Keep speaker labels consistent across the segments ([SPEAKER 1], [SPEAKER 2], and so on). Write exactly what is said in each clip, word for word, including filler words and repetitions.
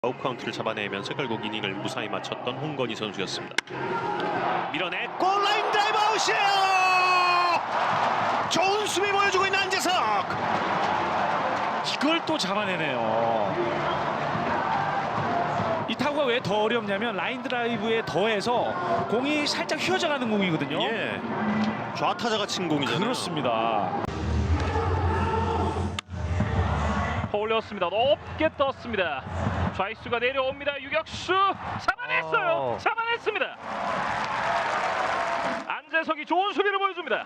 [SPEAKER 1] 아웃 카운트를 잡아내면서 결국 이닝을 무사히 마쳤던 홍건희 선수였습니다. 밀어냈고 라인 드라이브 아웃이에요. 좋은 수비 보여주고 있는 안재석.
[SPEAKER 2] 이걸 또 잡아내네요. 이 타구가 왜 더 어렵냐면 라인 드라이브에 더해서 공이 살짝 휘어져 가는 공이거든요.
[SPEAKER 1] 예. 좌타자가 친 공이잖아요.
[SPEAKER 2] 그렇습니다.
[SPEAKER 3] 올렸습니다. 높게 떴습니다. 좌익수가 내려옵니다. 유격수 잡아냈어요.
[SPEAKER 2] 아.
[SPEAKER 3] 잡아냈습니다. 안재석이 좋은 수비를 보여줍니다.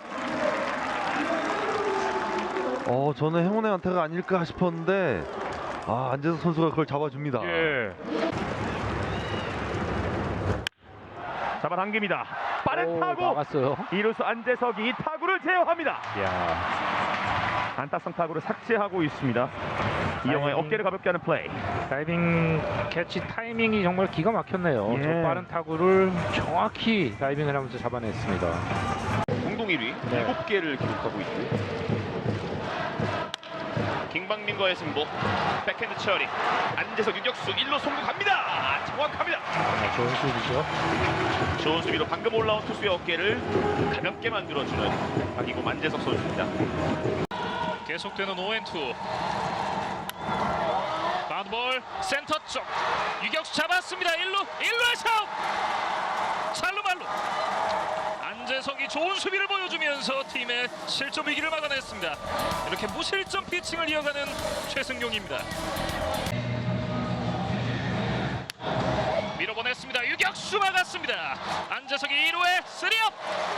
[SPEAKER 4] 어, 저는 행운의 안타가 아닐까 싶었는데 아, 안재석 선수가 그걸 잡아줍니다.
[SPEAKER 3] 예. 잡아당깁니다. 빠른 타구.
[SPEAKER 2] 나갔어요.
[SPEAKER 3] 이루수 안재석이 이 타구를 제어합니다. 안타성 타구를 삭제하고 있습니다. 이영호의 어깨를 가볍게 하는 플레이.
[SPEAKER 5] 다이빙 캐치 타이밍이 정말 기가 막혔네요.
[SPEAKER 3] 예.
[SPEAKER 5] 저 빠른 타구를 정확히 다이빙을 하면서 잡아냈습니다.
[SPEAKER 1] 공동 일 위
[SPEAKER 5] 네.
[SPEAKER 1] 일곱 개를 기록하고 있고 김광민과의 승부. 백핸드 처리. 안재석 유격수 일 루 송구 갑니다. 아, 정확합니다.
[SPEAKER 5] 아, 좋은 수비죠.
[SPEAKER 1] 좋은 수비로 방금 올라온 투수의 어깨를 가볍게 만들어주는 박이고 안재석 선수입니다.
[SPEAKER 3] 계속되는 오앤투. 바운드볼 센터 쪽. 유격수 잡았습니다. 일 루 일 루에서 찰루 말루. 안재석이 좋은 수비를 보여주면서 팀의 실점 위기를 막아냈습니다. 이렇게 무실점 피칭을 이어가는 최승용입니다. 밀어보냈습니다. 유격수 막았습니다. 안재석이 이 루에 쓰리업.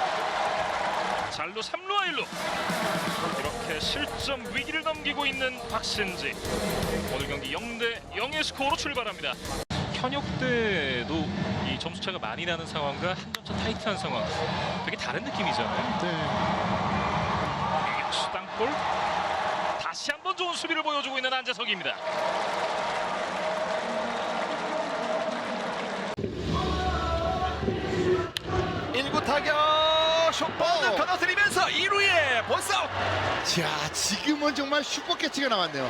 [SPEAKER 3] 잘루 삼 루와 일 루. 이렇게 실점 위기를 넘기고 있는 박신지. 오늘 경기 영 대 영의 스코어로 출발합니다. 현역 때도 이 점수차가 많이 나는 상황과 한 점차 타이트한 상황 되게 다른 느낌이잖아요. 네. 유격수 땅볼. 다시 한번 좋은 수비를 보여주고 있는 안재석입니다.
[SPEAKER 1] 일 구 타격 숏볼을 끊어뜨리면서 이 루에 본사웃.
[SPEAKER 6] 자, 지금은 정말 슈퍼 캐치가 나왔네요.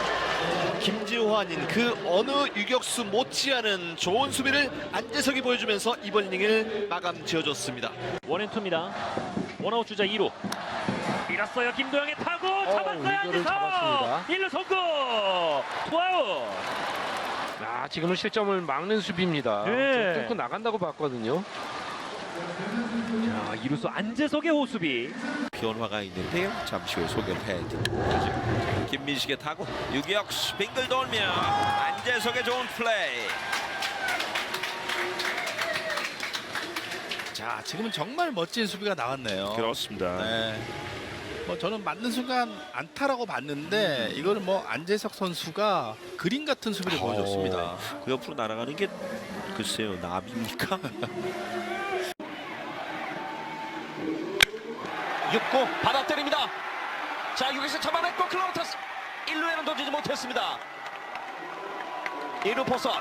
[SPEAKER 1] 김지환인 그 어느 유격수 못지않은 좋은 수비를 안재석이 보여주면서 이번 이닝을 마감 지어줬습니다.
[SPEAKER 3] 원앤투입니다. 원아웃 주자 이 루. 밀었어요. 김도영의 타구 잡았어요. 안재석. 일 루 성공. 투아웃.
[SPEAKER 5] 아, 지금은 실점을 막는 수비입니다.
[SPEAKER 3] 네.
[SPEAKER 5] 좀 뚫고 나간다고 봤거든요.
[SPEAKER 3] 자, 이루수 안재석의 호수비.
[SPEAKER 7] 변화가 있는데요. 잠시 후에 소개를 해드리죠. 김민식의 타구 유격수 빙글 돌며 안재석의 좋은 플레이.
[SPEAKER 6] 자, 지금은 정말 멋진 수비가 나왔네요.
[SPEAKER 7] 그렇습니다.
[SPEAKER 6] 네. 뭐 저는 맞는 순간 안타라고 봤는데 이거는 뭐 안재석 선수가 그림 같은 수비를 보여줬습니다.
[SPEAKER 7] 그 옆으로 날아가는 게 글쎄요, 나비입니까?
[SPEAKER 8] 육 구 받아 때립니다. 자, 여기서 잡아냈고 클로버터스 일 루에는 던지지 못했습니다. 일 루 포선.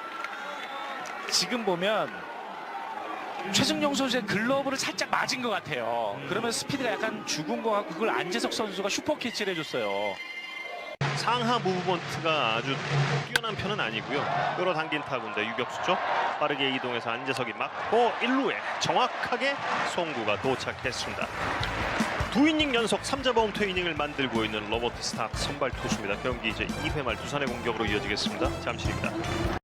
[SPEAKER 2] 지금 보면 최승용 선수의 글러브를 살짝 맞은 것 같아요. 그러면 스피드가 약간 죽은 것 같고 그걸 안재석 선수가 슈퍼 캐치를 해줬어요.
[SPEAKER 1] 상하 무브먼트가 아주 뛰어난 편은 아니고요. 끌어당긴 타구인데 유격수 쪽 빠르게 이동해서 안재석이 맞고 일 루에 정확하게 송구가 도착했습니다. 두 이닝 연속 삼 자 범퇴 이닝을 만들고 있는 로버트 스타크 선발 투수입니다. 경기 이제 이 회 말 두산의 공격으로 이어지겠습니다. 잠시입니다.